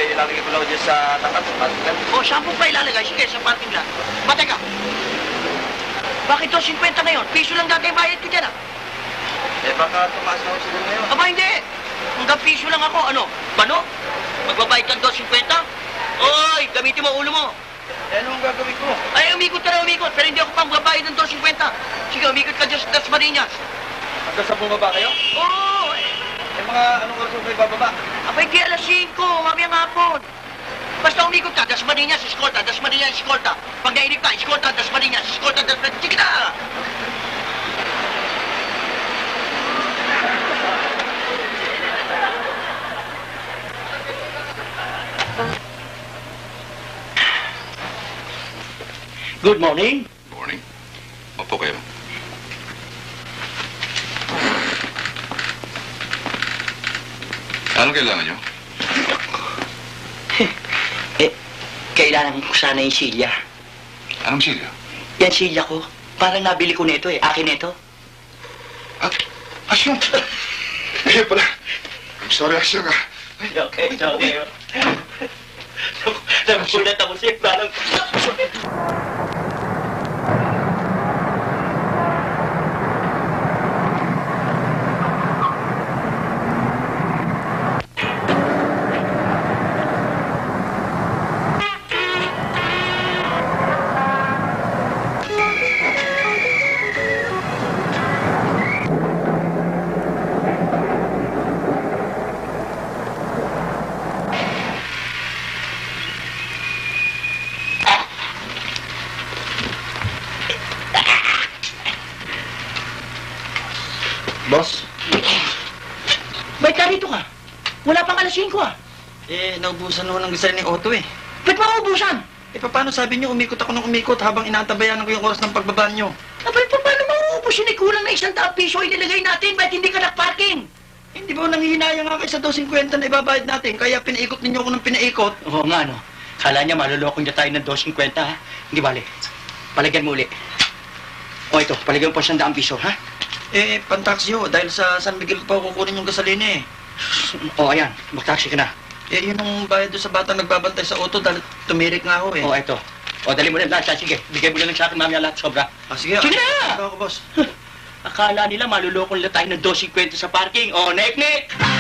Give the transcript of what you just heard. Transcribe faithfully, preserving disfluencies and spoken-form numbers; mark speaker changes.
Speaker 1: eh, ilalagay ko lang dyan sa tapat, sa parking lot.
Speaker 2: O, saan po pa ilalagay? Sige, sa parking lot. Mateka. Bakit to fifty ngayon? Piso lang dati yung bayad ko dyan, ah.
Speaker 1: Eh, baka tumaas na ako siguro ngayon.
Speaker 2: Aba, hindi. Hanggang piso lang ako. Ano? Bano? Magbabayad kang two fifty? Oy, gamitin mo ulo mo.
Speaker 1: Eh, anong gagawin ko?
Speaker 2: Ay, umikot ka na umikot. Pero hindi ako pang magbabayad ng two fifty. Sige, umikot ka dyan sa Das Marinas.
Speaker 1: Hanggang sa bumaba kayo?
Speaker 2: Oo.
Speaker 1: Eh, mga anong oras mo kayo bababa?
Speaker 2: Abay, di alas singko. Mamayang hapon. Basta umikot ka, Das Marinas, eskolta, Das Marinas, eskolta. Pag nainip ka, eskolta, Das Marinas, eskolta, Das Marinas. Sige na! Good morning.
Speaker 3: Morning. Opo kayo. Anong kailangan nyo?
Speaker 2: Eh, kailangan ko sana yung silya.
Speaker 3: Anong silya?
Speaker 2: Yan silya ko. Parang nabili ko nito eh. Akin nito.
Speaker 3: Ah, Asyong! Eh pala. I'm sorry, Asyong ah.
Speaker 2: Okay, okay. Nagulat ako siya. Parang...
Speaker 1: Boss?
Speaker 2: Ba't ka rito ka? Wala pang alas singko ah.
Speaker 1: Eh, naubusan ho ng design ni Otto eh.
Speaker 2: Ba't mauubusan?
Speaker 1: Eh, paano sabi niyo umikot ako ng umikot habang inaantabayanan ko yung oras ng pagbaba niyo?
Speaker 2: Abay, pa, paano mauubos yun? Eh, kulang na isang daang piso inilagay natin. Ba't hindi ka nag-parking?
Speaker 1: Hindi ba nanghihinayang nga kayo sa two fifty na ibabayad natin? Kaya pinaikot ninyo ako ng pinaikot.
Speaker 2: Oo nga, no. Kala niya malulokong niya tayo ng two fifty, ha? Hindi bale. Palagyan mo uli. O ito, palagyan mo po siyang daang piso, ha?
Speaker 1: Eh, pantaksi ho. Dahil sa San Miguel pa ako kukunin yung gasolina eh.
Speaker 2: O, ayan. Mag-taxi ka na.
Speaker 1: Eh, yun ang bayad doon sa batang nagbabantay sa auto dahil tumirik nga ho eh.
Speaker 2: O, ito. O, dali mo na lahat. Sige, bigay mo na lang sa akin mamaya lahat sobra.
Speaker 1: Ah, sige.
Speaker 2: Sige na!
Speaker 1: Ako, boss.
Speaker 2: Akala nila malulokong nila tayo ng two fifty sa parking. O, nek-nek!